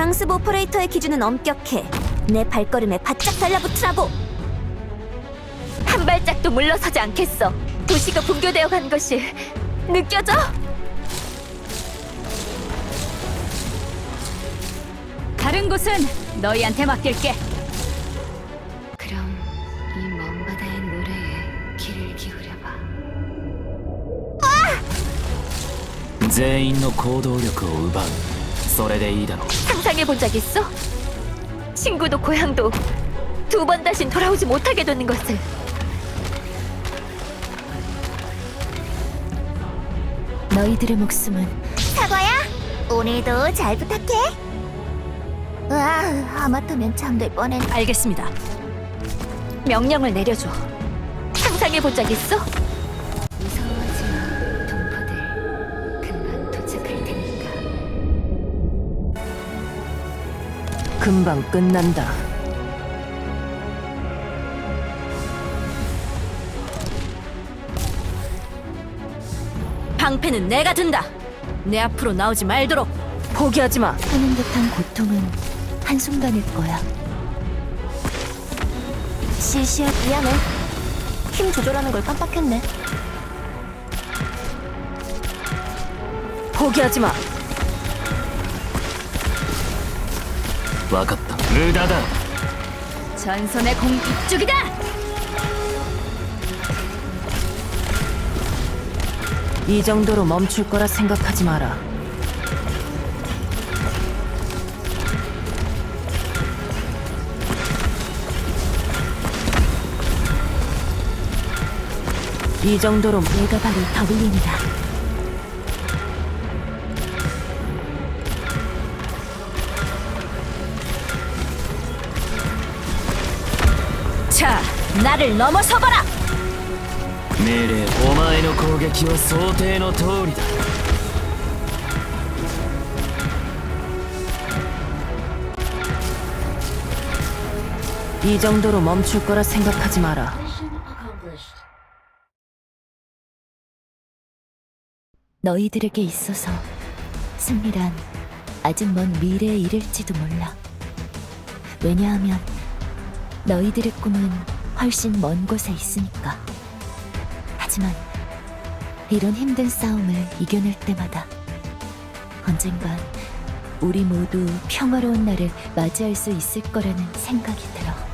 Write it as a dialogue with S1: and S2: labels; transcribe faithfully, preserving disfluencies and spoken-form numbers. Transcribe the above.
S1: 강습 오퍼레이터의 기준은 엄격해. 내 발걸음에 바짝 달라붙으라고.
S2: 한 발짝도 물러서지 않겠어. 도시가 붕괴되어 간 것이 느껴져?
S3: 다른 곳은 너희한테 맡길게.
S2: 그럼 이 먼 바다의 노래에 귀를 기울여봐.
S4: 全員の行動力を奪う。それでいいだろう。
S2: 상상해본 적 있어? 친구도 고향도 두 번 다신 돌아오지 못하게 되는 것을.
S1: 너희들의 목숨은 사과야. 오늘도 잘 부탁해. 와, 하마터면 잠들 뻔했.
S3: 알겠습니다.
S2: 명령을 내려줘. 상상해본 적 있어? 무서워하지 마, 동포들. 금방 도착할 테니까.
S3: 금방 끝난다. 방패는 내가 든다. 내 앞으로 나오지 말도록. 포기하지 마.
S1: 하는 듯한 고통은 한순간일 거야. 시시야, 미안해. 힘 조절하는 걸 깜빡했네.
S3: 포기하지 마.
S4: 分かった。無駄だ。
S3: 전선의 공 이쪽이다. 이 정도로 멈출 거라 생각하지 마라. 이 정도로
S1: 내가 바로 더블린이다.
S3: 자, 나를 넘어서봐라.
S4: 命令。お前の攻撃は想定の通りだ。
S3: 이 정도로 멈출 거라 생각하지 마라.
S1: 너희들에게 있어서 승리란 아직 먼 미래의 일일지도 몰라. 왜냐하면 너희들의 꿈은 훨씬 먼 곳에 있으니까. 하지만 이런 힘든 싸움을 이겨낼 때마다 언젠간 우리 모두 평화로운 날을 맞이할 수 있을 거라는 생각이 들어.